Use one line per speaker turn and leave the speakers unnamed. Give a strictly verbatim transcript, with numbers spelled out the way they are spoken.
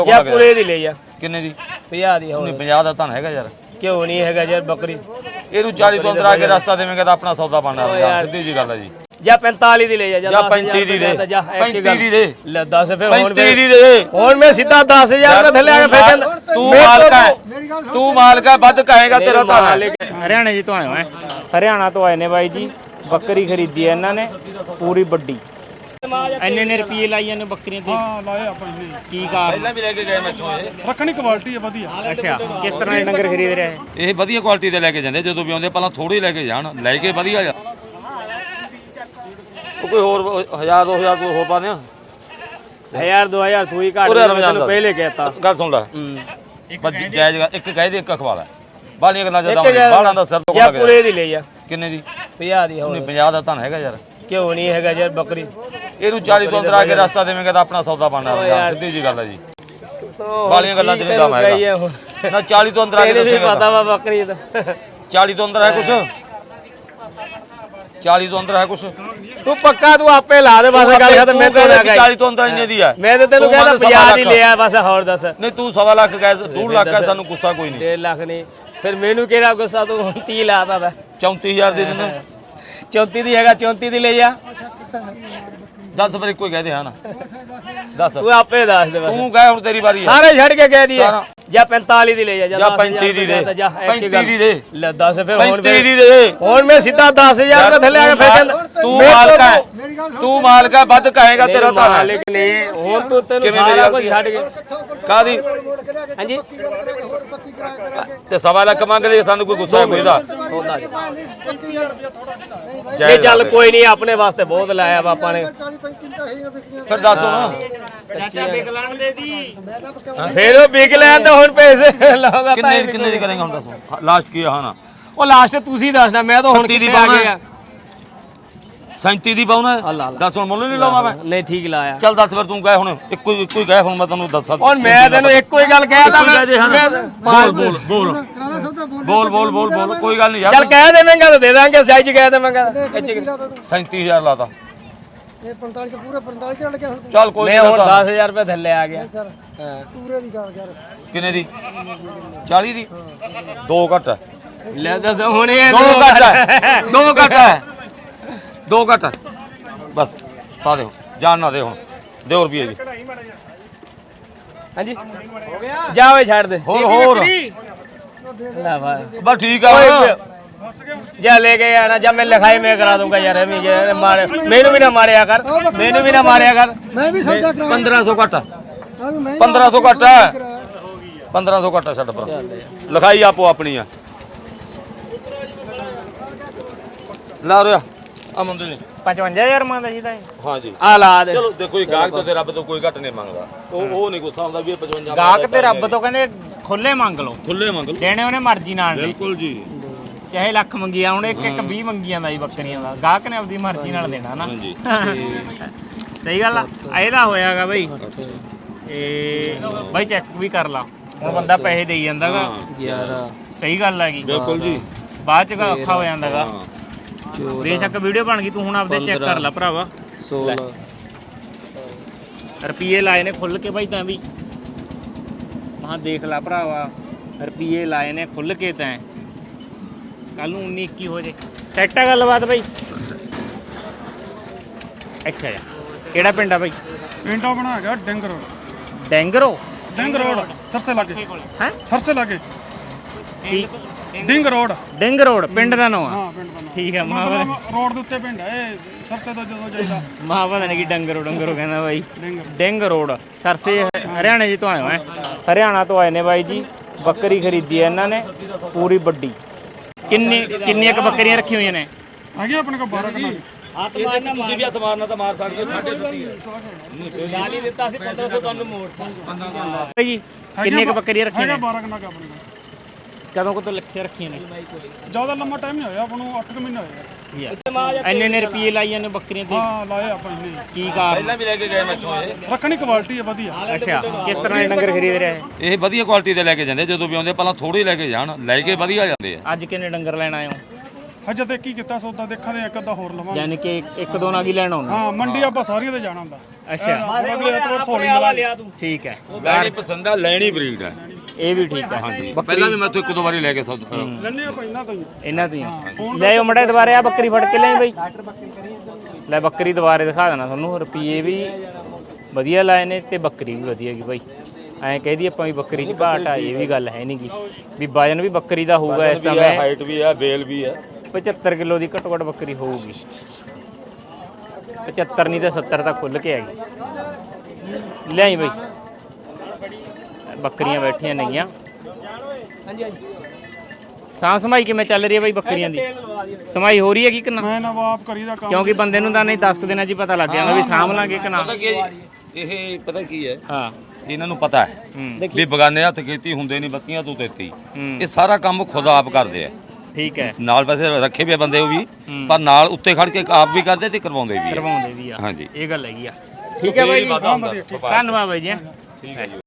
ਜਾਂ ਪੂਰੇ ਦੀ ਲੈ ਜਾ
ਕਿੰਨੇ ਦੀ
ਪੰਜਾਹ ਦੀ ਹੋਰ
ਨਹੀਂ ਪੰਜਾਹ ਦਾ ਤਾਂ ਹੈਗਾ ਯਾਰ
ਕਿਉਂ ਨਹੀਂ ਹੈਗਾ ਯਾਰ ਬੱਕਰੀ
ਇਹਨੂੰ ਚਾਲੀ ਤੋਂ ਅੰਦਰ ਆ ਕੇ ਰਸਤਾ ਦੇਵੇਂਗਾ ਤਾਂ ਆਪਣਾ ਸੌਦਾ ਬਣਨਾ ਸਿੱਧੀ ਜੀ ਗੱਲ ਹੈ ਜੀ
ਜਾਂ ਪੈਂਤਾਲੀ ਦੀ ਲੈ ਜਾ
ਜਾਂ ਪੈਂਤੀ ਦੀ ਦੇ ਪੈਂਤੀ ਦੀ ਦੇ
ਲੈ ਦੱਸ ਫਿਰ ਹੁਣ
ਪੈਂਤੀ ਦੀ ਦੇ
ਹੁਣ ਮੈਂ ਸਿੱਧਾ ਦਸ ਹਜ਼ਾਰ ਰੁਪਏ ਥੱਲੇ ਆ ਕੇ ਫੇਰ
ਤੂੰ ਮਾਲਕ ਹੈ ਤੂੰ ਮਾਲਕ ਹੈ ਵੱਧ ਕਹੇਗਾ ਤੇਰਾ ਤਾਂ
ਹਰਿਆਣੇ ਜੀ ਤੋਂ ਆਏ ਹੋਏ ਹਰਿਆਣਾ ਤੋਂ ਆਏ ਨੇ ਬਾਈ ਜੀ ਬੱਕਰੀ ਖਰੀਦੀ ਹੈ ਇਹਨਾਂ ਨੇ ਪੂਰੀ ਵੱਡੀ ਇੰਨੇ ਨੇ ਰੁਪਏ ਲਾਈ ਜਾਂਦੇ ਬੱਕਰੀਆਂ ਤੇ
ਹਾਂ ਲਾਏ ਆਪਾਂ ਇੰਨੇ
ਕੀ ਕਾਰ
ਪਹਿਲਾਂ ਵੀ ਲੈ ਕੇ ਗਏ ਮੈਥੋਂ ਇਹ
ਰੱਖਣੀ ਕੁਆਲਿਟੀ ਹੈ ਵਧੀਆ
ਅੱਛਾ ਕਿਸ ਤਰ੍ਹਾਂ ਦੇ ਡੰਗਰ ਖਰੀਦ ਰਹੇ
ਇਹ ਵਧੀਆ ਕੁਆਲਿਟੀ ਦੇ ਲੈ ਕੇ ਜਾਂਦੇ ਜਦੋਂ ਵੀ ਆਉਂਦੇ ਪਹਿਲਾਂ ਥੋੜੇ ਲੈ ਕੇ ਜਾਣ ਲੈ ਕੇ ਵਧੀਆ ਜਾ ਕੋਈ ਹੋਰ ਹਜ਼ਾਰ ਦੋ ਹਜ਼ਾਰ ਕੋਈ ਹੋਰ ਪਾ ਦਿਆਂ
ਹਜ਼ਾਰ ਦੋ ਹਜ਼ਾਰ ਤੂੰ ਹੀ ਘੱਟ ਤੈਨੂੰ ਪਹਿਲੇ ਕਹਿਤਾ
ਗੱਲ ਸੁਣ ਲੈ ਬਸ ਜਾਇਜ਼ ਇੱਕ ਕਹਿ ਦੇ ਇੱਕ ਅਖਵਾ ਲੈ ਬਾਲੀਆਂ ਗੱਲਾਂ ਜਦੋਂ ਬਾਲਾਂ ਦਾ ਸਿਰ ਤੋਂ
ਜਾਂ ਪੂਰੇ ਦੀ ਲੈ ਜਾ
ਕਿੰਨੇ ਦੀ
ਪੰਜਾਹ ਦੀ ਹੋਰ
ਨਹੀਂ ਪੰਜਾਹ ਦਾ ਤਾਂ ਹੈਗਾ ਯਾਰ
ਕਿਉਂ ਨਹੀਂ ਹੈਗਾ ਯਾਰ ਬੱਕਰੀ
ਇਹਨੂੰ ਚਾਲੀ ਤੋਂ ਅੰਦਰ ਆ ਕੇ ਰਸਤਾ ਦੇਵੇਂਗਾ ਤਾਂ ਆਪਣਾ ਸੌਦਾ ਬਣਨਾ ਸਿੱਧੀ ਜੀ ਗੱਲ ਹੈ ਜੀ ਬਾਲੀਆਂ ਗੱਲਾਂ ਚ ਨਹੀਂ ਦਮ ਹੈਗਾ ਨਾ ਚਾਲੀ ਤੋਂ ਅੰਦਰ ਆ ਕੇ ਦੱਸੇਗਾ
ਪਤਾ ਵਾ ਬੱਕਰੀ ਦਾ
ਚਾਲੀ ਤੋਂ ਅੰਦਰ ਹੈ ਕੁਛ ਚਾਲੀ ਤੋਂ ਅੰਦਰ ਹੈ ਕੁਛ
ਤੂੰ ਪੱਕਾ ਤੂੰ ਆਪੇ ਲਾ ਦੇ ਬਸ ਗੱਲ ਖਤਮ ਮੈਂ ਤਾਂ ਨਾ
ਚਾਲੀ ਤੋਂ ਅੰਦਰ ਇੰਨੇ ਦੀ ਹੈ
ਮੈਂ ਤਾਂ ਤੈਨੂੰ ਕਹਿੰਦਾ ਪੰਜਾਹ ਦੀ ਲਿਆ ਬਸ ਹੋਰ ਦੱਸ
ਨਹੀਂ ਤੂੰ ਸਵਾ ਲੱਖ ਕਹਿ ਦੋ ਲੱਖ ਹੈ ਸਾਨੂੰ ਗੁੱਸਾ ਕੋਈ ਨਹੀਂ
ਡੇਢ ਲੱਖ ਨਹੀਂ ਫਿਰ ਮੈਨੂੰ ਕਿਹੜਾ ਗੁੱਸਾ ਤੂੰ ਤੀਹ ਲਾਤਾ ਵਾ
ਚੌਂਤੀ ਹਜ਼ਾਰ ਦੇ ਦੇਣਾ
ਚੌਂਤੀ ਦੀ ਹੈਗਾ ਚੌਂਤੀ ਦੀ ਲੈ ਜਾ
ਦਸ ਵਾਰੀ ਕੋਈ ਕਹਦੇ ਹਾਂ ਨਾ ਦੱਸ
ਤੂੰ ਆਪੇ ਦੱਸ ਦੇ ਬਸ
ਤੂੰ ਕਹੇ ਹੁਣ ਤੇਰੀ ਵਾਰੀ ਹੈ
ਸਾਰੇ ਛੱਡ ਕੇ ਕਹਿ ਦਈਏ ਜਾਂ ਪੈਂਤਾਲੀ ਦੀ ਲੈ ਜਾ
ਜਾਂ ਪੈਂਤੀ ਦੀ ਦੇ ਪੈਂਤੀ ਦੀ ਦੇ
ਲੈ ਦੱਸ ਫਿਰ ਹੁਣ
ਪੈਂਤੀ ਦੀ ਦੇ
ਹੁਣ ਮੈਂ ਸਿੱਧਾ ਦਸ ਹਜ਼ਾਰ ਰੁਪਏ ਥੱਲੇ ਆ ਕੇ ਫੇਰ
ਤੂੰ ਮਾਲਕ ਹੈ ਤੂੰ ਮਾਲਕ ਹੈ ਵੱਧ ਕਹੇਗਾ ਤੇਰਾ ਤਾਂ
ਮਾਲਕ ਨੇ ਹੁਣ ਤੂੰ ਤੈਨੂੰ ਸਾਰਾ ਕੁਝ ਛੱਡ ਕੇ
ਕਾਦੀ
ਹਾਂਜੀ
ਤੇ ਸਵਾ ਲੱਖ ਮੰਗ ਲਈ ਸਾਨੂੰ ਕੋਈ ਗੁੱਸਾ ਕੋਈ ਦਾ
ਇਹ ਚੱਲ ਕੋਈ ਨਹੀਂ ਆਪਣੇ ਵਾਸਤੇ ਬਹੁਤ ਲਾਇਆ ਵਾ ਆਪਾਂ ਨੇ
ਫਿਰ ਦੱਸ ਹੁਣ
ਚਾਚਾ ਬਿਕਲਾਣ ਦੇ ਦੀ
ਫੇਰ ਉਹ ਵਿਕ ਲੈਣ ਤਾਂ ਹੁਣ ਪੈਸੇ ਲਾਉਗਾ
ਕਿੰਨੇ ਕਿੰਨੇ ਦੀ ਕਰੇਗਾ ਹੁਣ ਦੱਸੋ ਲਾਸਟ ਕੀ ਆ ਨਾ
ਉਹ ਲਾਸਟ ਤੁਸੀਂ ਦੱਸਣਾ ਮੈਂ ਤਾਂ ਹੁਣ ਕਿੱਥੇ ਆ ਗਿਆ
ਸੈਂਤੀ ਦੀ ਪਾਉਣਾ ਦੱਸ ਹੁਣ ਮੁੱਲ ਨਹੀਂ ਲਾਵਾਂ ਮੈਂ
ਨਹੀਂ ਠੀਕ ਲਾਇਆ
ਚੱਲ ਦੱਸ ਫਿਰ ਤੂੰ ਕਹੇ ਹੁਣ ਇੱਕੋ ਇੱਕੋ ਹੀ ਕਹੇ ਹੁਣ ਮੈਂ ਤੈਨੂੰ ਦੱਸਾਂ
ਹੁਣ ਮੈਂ ਤੈਨੂੰ ਇੱਕੋ ਹੀ ਗੱਲ ਕਹਿਦਾ
ਮੈਂ ਬੋਲ ਬੋਲ ਬੋਲ ਬੋਲ ਬੋਲ ਬੋਲ ਬੋਲ ਕੋਈ ਗੱਲ ਨਹੀਂ ਯਾਰ
ਚੱਲ ਕਹਿ ਦੇਵਾਂਗਾ ਤਾਂ ਦੇ ਦਾਂਗੇ ਸਾਈਜ਼ ਕਹਿ ਦੇਵਾਂਗਾ
ਸੈਂਤੀ ਹਜ਼ਾਰ ਲਾਤਾ
ਇਹ ਪੰਤਾਲੀ ਤੋਂ ਪੂਰੇ ਪੰਤਾਲੀ ਚੜ ਗਿਆ ਹੁਣ
ਚੱਲ ਕੋਈ
ਨਹੀਂ ਹੁਣ ਦਸ ਹਜ਼ਾਰ ਰੁਪਏ ਥੱਲੇ ਆ ਗਿਆ
ਹਾਂ ਪੂਰੇ ਦੀ ਗੱਲ ਕਰ
ਕਿੰਨੇ ਦੀ ਚਾਲੀ ਦੀ ਦੋ ਘੱਟ ਹੈ
ਲੈ ਦੱਸ ਹੁਣ ਇਹ
ਦੋ ਘੱਟ ਹੈ ਦੋ ਘੱਟ ਹੈ ਦੋ ਘੱਟ ਹੈ ਬਸ ਪਾ ਦੇ ਜਾਨ ਨਾ ਦੇ ਹੁਣ ਦਿਓ ਰੁਪਏ ਜੀ
ਹਾਂਜੀ ਹੋ ਗਿਆ ਜਾ ਓਏ ਛੱਡ ਦੇ
ਹੋਰ ਹੋਰ
ਲੈ ਭਾਈ
ਬਸ ਠੀਕ ਆ
ਜਾ ਲੈ ਕੇ ਆਣਾ ਜਾਂ ਮੈਂ ਲਿਖਾਈ ਮੈਂ ਕਰਾ ਦੂੰਗਾ ਯਾਰ ਐਵੇਂ ਜੇ ਮਾਰੇ ਮੈਨੂੰ ਵੀ ਨਾ ਮਾਰਿਆ ਕਰ ਮੈਨੂੰ ਵੀ ਨਾ ਮਾਰਿਆ ਕਰ
ਮੈਂ ਵੀ ਸੌਦਾ ਕਰਾ
ਪੰਦਰਾਂ ਸੌ ਘੱਟ
ਮੈਂ
ਪੰਦਰਾਂ ਸੌ ਘੱਟ ਹੈ ਪੰਦਰਾਂ ਸੌ ਘੱਟ ਹੈ ਛੱਡ ਪਰ ਲਿਖਾਈ ਆਪੋ ਆਪਣੀ ਆ ਲਾ ਰਿਆ ਆ ਮੁੰਡੇ ਨੇ
ਪਚਵੰਜਾ ਹਜ਼ਾਰ ਮੰਗਦਾ ਸੀ ਤਾਂ
ਹਾਂ ਜੀ
ਆ ਲਾ ਦੇ
ਚਲੋ ਦੇਖੋ ਇਹ ਗਾਹਕ ਤੋਂ ਤੇ ਰੱਬ ਤੋਂ ਕੋਈ ਘੱਟ ਨਹੀਂ ਮੰਗਦਾ ਉਹ ਉਹ ਨਹੀਂ ਗੁੱਸਾ ਹੁੰਦਾ ਵੀ ਇਹ ਪਚਵੰਜਾ
ਗਾਹਕ ਤੇ ਰੱਬ ਤੋਂ ਕਹਿੰਦੇ ਖੁੱਲੇ ਮੰਗ ਲਓ
ਖੁੱਲੇ ਮੰਗ ਲਓ
ਦੇਣੇ ਉਹਨੇ ਮਰਜ਼ੀ ਨਾਲ ਨੇ
ਬਿਲਕੁਲ ਜੀ
ਚਾਹੇ ਲੱਖ ਮੰਗਿਆ ਹੁਣ ਇੱਕ ਇੱਕ ਵੀਹ ਮੰਗੀਆਂ ਦਾ ਜੀ ਬੱਕਰੀਆਂ ਦਾ ਗਾਹਕ ਨੇ ਆਪਦੀ ਮਰਜ਼ੀ ਨਾਲ ਦੇਣਾ ਨਾ
ਹਾਂਜੀ
ਸਹੀ ਗੱਲ ਆ ਇਹਦਾ ਹੋਇਆਗਾ ਬਈ ਇਹ ਬਾਈ ਚੈੱਕ ਵੀ ਕਰ ਲਾ ਹੁਣ ਬੰਦਾ ਪੈਸੇ ਦੇਈ ਜਾਂਦਾਗਾ
ਯਾਰ
ਸਹੀ ਗੱਲ ਹੈਗੀ
ਬਿਲਕੁਲ ਜੀ
ਬਾਅਦ ਚ ਔਖਾ ਹੋ ਜਾਂਦਾਗਾ ਬੇਸ਼ੱਕ ਵੀਡੀਓ ਬਣ ਗਈ ਤੂੰ ਹੁਣ ਆਪਦੇ ਚੈੱਕ ਕਰ ਲੈ ਭਰਾਵਾ
ਸੋਲਾਂ
ਰੁਪਏ ਲਾਏ ਨੇ ਖੁੱਲ ਕੇ ਬਾਈ ਤਾਂ ਵੀ ਮਹਾਂ ਦੇਖ ਲੈ ਭਰਾਵਾ ਰੁਪਏ ਲਾਏ ਨੇ ਖੁੱਲ ਕੇ ਤਾਂ ਕੱਲ ਨੂੰ ਉੱਨੀ ਇੱਕੀ ਹੋ ਜੇ ਸੈੱਟ ਆ ਗੱਲਬਾਤ ਬਾਈ ਅੱਛਾ ਯਾਰ ਕਿਹੜਾ ਪਿੰਡ ਆ ਬਾਈ
ਪਿੰਡ ਆ ਬਣਾ ਗਿਆ ਡਿੰਗ ਰੋਡ
ਡੈਂਗਰੋ
ਡਿੰਗ ਰੋਡ ਸਰਸੇ ਲਾਗੇ
ਹੈ
ਸਰਸੇ ਲਾਗੇ
ਠੀਕ
ਡਿੰਗ ਰੋਡ
ਡਿੰਗ ਰੋਡ ਪਿੰਡ ਦਾ ਨਾਮ ਆ
ਹਾਂ ਪਿੰਡ ਦਾ ਨਾਮ
ਠੀਕ ਹੈ ਮਾਂ
ਮਤਲਬ ਰੋਡ ਦੇ ਉੱਤੇ ਪਿੰਡ ਹੈ ਇਹ ਸਰਸੇ ਤੋਂ ਜਦੋਂ ਜਾਈਦਾ
ਮਾਂ ਪਤਾ ਨਹੀਂ ਕੀ ਡੰਗਰੋ ਡੰਗਰੋ ਕਹਿੰਦਾ ਬਾਈ
ਡਿੰਗ
ਡਿੰਗ ਰੋਡ ਸਰਸੇ ਹਰਿਆਣੇ ਜੀ ਤੋਂ ਆਏ ਹੋਏ ਹਰਿਆਣਾ ਤੋਂ ਆਏ ਨੇ ਬਾਈ ਜੀ ਬੱਕਰੀ ਖਰੀਦੀ ਹੈ ਇਹਨਾਂ ਨੇ ਪੂਰੀ ਵੱਡੀ ਕਿੰਨੀ ਕਿੰਨੀਆਂ ਕੁ ਬੱਕਰੀਆਂ ਰੱਖੀਆਂ ਹੋਈਆਂ ਨੇ
ਹੈਗੇ ਆਪਣੇ ਕੋਲ ਬਾਰਾਂ ਕਨਾਲ
ਤੁਸੀਂ ਵੀ ਹੱਥ ਮਾਰਨਾ ਤਾਂ ਮਾਰ ਸਕਦੇ ਹੋ ਸਾਢੇ ਸੱਤੀ ਹੈ
ਚਾਲੀ ਦਿੱਤਾ ਸੀ ਪੰਦਰਾਂ ਸੌ ਤੁਹਾਨੂੰ ਮੋੜਤਾ
ਜੀ ਕਿੰਨੀਆਂ ਕੁ ਬੱਕਰੀਆਂ ਰੱਖੀਆਂ
ਹੈਗਾ
ਨੇ
ਬਾਰਾਂ ਕਨਾਲ ਆਪਣੇ ਕੋਲ
ਕਦੋਂ ਕਦੋਂ ਲਿਖੇ ਰੱਖੀਆਂ ਨੇ
ਜ਼ਿਆਦਾ ਲੰਮਾ ਟਾਈਮ ਨਹੀਂ ਹੋਇਆ ਆਪਾਂ ਨੂੰ ਅੱਠ ਮਹੀਨੇ ਹੋਏ
ਇੰਨੇ ਨੇ ਰੁਪਏ ਲਾਈ ਜਾਂਦੇ ਬੱਕਰੀਆਂ ਤੇ
ਹਾਂ ਲਾਏ ਆਪਾਂ ਇੰਨੇ
ਕੀ ਕਾਰ
ਪਹਿਲਾਂ ਵੀ ਲੈ ਕੇ ਗਏ ਮੈਥੋਂ ਇਹ
ਰੱਖਣੀ ਕੁਆਲਿਟੀ ਹੈ ਵਧੀਆ
ਅੱਛਾ ਕਿਸ ਤਰ੍ਹਾਂ ਦੇ ਡੰਗਰ ਖਰੀਦ ਰਹੇ
ਇਹ ਵਧੀਆ ਕੁਆਲਿਟੀ ਦੇ ਲੈ ਕੇ ਜਾਂਦੇ ਜਦੋਂ ਵੀ ਆਉਂਦੇ ਪਹਿਲਾਂ ਥੋੜੇ ਲੈ ਕੇ ਜਾਣ ਲੈ ਕੇ ਵਧੀਆ ਜਾਂਦੇ ਆ
ਅੱਜ ਕਿੰਨੇ ਡੰਗਰ ਲੈਣ ਆਏ ਹੋ
ਹਜੇ ਤੇ ਕੀ ਕੀਤਾ ਸੌਦਾ ਦੇਖਾਂਗੇ ਇੱਕ ਅੱਧਾ ਹੋਰ ਲਵਾਂਗੇ
ਯਾਨੀ ਕਿ ਇੱਕ ਦੋ ਨਾਲ ਹੀ ਲੈਣ ਆਉਂਦੇ
ਹਾਂ ਮੰਡੀ ਆਪਾਂ ਸਾਰੀਆਂ ਤੇ ਜਾਣਾ ਹੁੰਦਾ
ਅੱਛਾ
ਅਗਲੇ ਐਤਵਾਰ ਸੋਲੀ ਮਿਲਾ ਲਿਆ ਤੂੰ
ਠੀਕ ਹੈ
ਲੈਣੀ ਪਸੰਦ ਆ ਲੈਣੀ ਬਰੀਡ ਹੈ
ਇਹ ਵੀ ਠੀਕ ਹੈ
ਹਾਂਜੀ ਪਹਿਲਾਂ ਵੀ ਮੈਂ ਤੋਂ ਇੱਕ ਦੋ ਵਾਰੀ ਲੈ ਕੇ ਸੌਦਾ
ਲੈਣੇ ਆਪਾਂ ਇਹਨਾਂ ਤੋਂ ਹੀ
ਇਹਨਾਂ ਤੋਂ ਹੀ ਲੈ ਆਓ ਮੜਾ ਦੁਬਾਰੇ ਆ ਬੱਕਰੀ ਫੜ ਕੇ ਲੈ ਬਈ ਲੈ ਬੱਕਰੀ ਦੁਬਾਰੇ ਦਿਖਾ ਦੇਣਾ ਤੁਹਾਨੂੰ ਰੁਪਈਏ ਵੀ ਵਧੀਆ ਲਾਏ ਨੇ ਤੇ ਬੱਕਰੀ ਵੀ ਵਧੀਆ ਗਈ ਬਾਈ ਐਂ ਕਹਿਦੀ ਆਪਾਂ ਵੀ ਬੱਕਰੀ 'ਚ ਘਾਟ ਆ ਇਹ ਵੀ ਗੱਲ ਹੈ ਨਹੀਂ ਗੀ ਵੀ ਵਜਨ ਵੀ ਬੱਕਰੀ ਦਾ ਹੋਊਗਾ ਇਸ ਸਮੇਂ
ਹਾਈਟ ਵੀ ਹੈ ਬੇਲ ਵੀ ਹੈ
ਪਚੱਤਰ ਕਿਲੋ ਦੀ ਘੱਟੋ ਘੱਟ ਬੱਕਰੀ ਹੋਊਗੀ ਪਚੱਤਰ ਨਹੀਂ ਤਾਂ ਸੱਤਰ ਤਾਂ ਖੁੱਲ ਕੇ ਆਏਗੀ ਲਿਆਈ ਬਈ ਬੱਕਰੀਆਂ ਬੈਠੀਆਂ ਨੇਗੀਆਂ ਸਾਂ ਸਮਾਈ ਕਿਵੇਂ ਚੱਲ ਰਹੀ ਹੈ ਬਈ ਬੱਕਰੀਆਂ ਦੀ ਸਮਾਈ ਹੋ ਰਹੀ ਹੈ ਕਿ ਨਾ
ਮੈਂ ਨਵਾਬ ਕਰੀ ਦਾ ਕੰਮ
ਕਿਉਂਕਿ ਬੰਦੇ ਨੂੰ ਤਾਂ ਨਹੀਂ ਦਸ ਕੁ ਦਿਨਾਂ 'ਚ ਹੀ ਪਤਾ ਲੱਗ ਜਾਂਦਾ ਵੀ ਸਾਂਭ ਲਾਂਗੇ ਕਿ ਨਾ
ਪਤਾ ਕੀ ਹੈ ਜੀ? ਇਹ ਪਤਾ ਕੀ ਹੈ
ਹਾਂ
ਇਹਨਾਂ ਨੂੰ ਪਤਾ ਹੈ
ਹੂੰ
ਵੀ ਬਗਾਨੇ ਹੱਥ ਕੀਤੀ ਹੁੰਦੇ ਨਹੀਂ ਬੱਤੀਆਂ ਤੂੰ ਤੇਤੀ
ਹੂੰ
ਇਹ ਸਾਰਾ ਕੰਮ ਖੁਦ ਆਪ ਕਰਦੇ ਆ
ਠੀਕ ਹੈ
ਨਾਲ ਵੈਸੇ ਰੱਖੇ ਵੀ ਆ ਬੰਦੇ ਉਹ ਵੀ
ਹੂੰ।
ਪਰ ਨਾਲ ਉੱਤੇ ਖੜ ਕੇ ਆਪ ਵੀ ਕਰਦੇ ਤੇ ਕਰਵਾਉਂਦੇ ਵੀ ਆ
ਕਰਵਾਉਂਦੇ ਵੀ ਆ
ਹਾਂਜੀ
ਇਹ ਗੱਲ ਹੈਗੀ ਆ ਠੀਕ ਹੈ ਬਾਈ ਜੀ
ਵਾਧਾ ਹੁੰਦਾ।
ਧੰਨਵਾਦ ਬਾਈ ਜੀ
ਠੀਕ ਹੈ ਜੀ